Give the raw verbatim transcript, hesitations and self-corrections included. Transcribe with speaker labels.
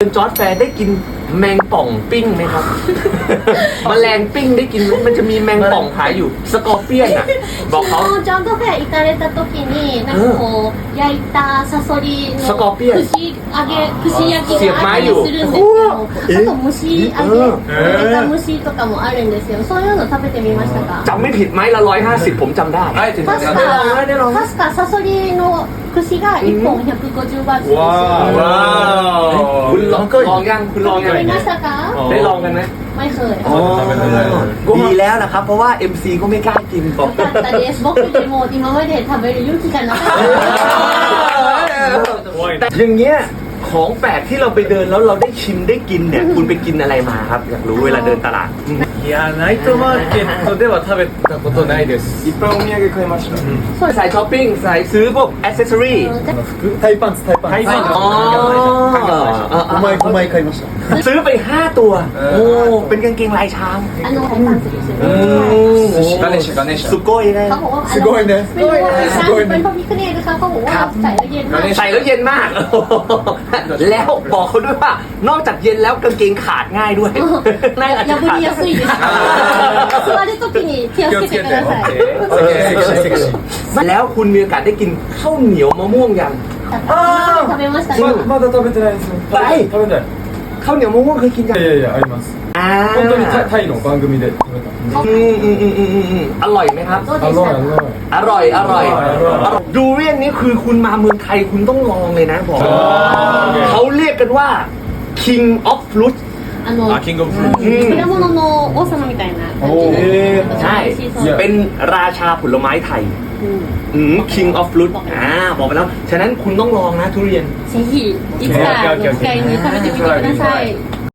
Speaker 1: จอร์จแฟร์ได้กินแมงป่องปิ้งไหมครับ แมลงปิ้งได้กินไหมมันจะมีแมงป่องขายอยู่สกอร์เปียนอ่ะบอกเขา
Speaker 2: ジャンプフェア行かれた時になんかこう焼いたサソリの
Speaker 1: スコーピオン
Speaker 2: 串揚げ串焼きがあったりするんですけどあと蒸し揚げ揚げた蒸しとかもあるんですよそういうの食べてみましたか
Speaker 1: จำไม่ผิดไหมละร้อยห้าสิบผมจำได้
Speaker 3: あえて
Speaker 2: 確か確かサソリの串がいっぽんひゃくごじゅうバーツですよ
Speaker 3: わー
Speaker 1: คุณลองลองยังคุณลอง
Speaker 2: 食
Speaker 1: ยัง
Speaker 2: べましたか
Speaker 1: ได้ลองกันไหม
Speaker 2: ไม่เคย
Speaker 1: ดีแล้วนะครับเพราะว่า เอ็ม ซี ก็ไม่กล้ากินผม
Speaker 2: よかったです僕でも今まで食べる勇気がなかった
Speaker 1: แต่อย่างเงี้ยของแปลกที่เราไปเดินแล้วเราได้ชิมได้กินเนี่ยคุณไปกินอะไรมาครับอยากรู้เวลาเดินตลาด
Speaker 3: いやナイトマーケットでは食べたことないですいっぱいお土産買いました
Speaker 1: สายช้อปปิ้งสายซื้อพวกอ c เซสซอรี่
Speaker 3: 服タイパンツタイパンツ
Speaker 1: อ๋อ
Speaker 3: ごまいごまい買いました
Speaker 1: ซื้อไปห้าตัวโอ้เป็นกางเกงลายช้าง
Speaker 2: あのハイパンツですよ
Speaker 1: อื
Speaker 2: ね
Speaker 1: ม
Speaker 3: ガネシャガネシャ
Speaker 1: สุโกยเลย
Speaker 2: เขาบอกว่า
Speaker 3: すごいね
Speaker 2: ไม่รู้ว่าช้างเป็นพระพิฆเนศนะคะเขาบอกว่าใส่แล้วเย็นมาก
Speaker 1: ใส่แล้วเย็นมาก แล้วบอกเขาด้วยว่านอกจากเย็นแล้วกางเกงขาดง่ายด้วยน่าจะ
Speaker 2: 破
Speaker 1: ขาด
Speaker 2: りやすいです座るときに気をつけてください
Speaker 3: オッケーセクシーセクシー
Speaker 1: แล้วคุณมีโอกาสได้กินข้าวเหนียวมะม่วงยัง
Speaker 2: 食べました
Speaker 3: ままだ食べてないです
Speaker 1: はい
Speaker 3: 食べたい
Speaker 1: ข้าวเหนียวมะม่วงเคยกินยัง
Speaker 3: いやいやいやあります
Speaker 1: อ่า
Speaker 3: 本当にタタイの番組で食べた
Speaker 1: อืมอืมอืมอืมอืมอืมอร่อยไหมครับ
Speaker 2: どうで
Speaker 3: อ
Speaker 2: し
Speaker 3: ร่อย
Speaker 2: た
Speaker 3: อร่อย
Speaker 1: อร่อย อร่อย
Speaker 3: อร่อย
Speaker 1: อร่อยดูเรียนนี้คือคุณมาเมืองไทยคุณต้องลองเลยนะบอก
Speaker 3: อ๋อโอเค
Speaker 1: เขาเรียกกันว่า King of Fruit
Speaker 2: あの
Speaker 3: あキングオブフルーツ
Speaker 1: อืม
Speaker 2: 果物の王様みたいな感じで
Speaker 1: ใช่
Speaker 2: 美味しそう
Speaker 1: เป็นราชาผลไม้ไทย
Speaker 2: うん
Speaker 1: อืม King of Fruit อ่าบอกไปแล้ว ฉะนั้นคุณต้องลองนะทุเรียน
Speaker 2: ぜひいつかあの機会に食べてみてください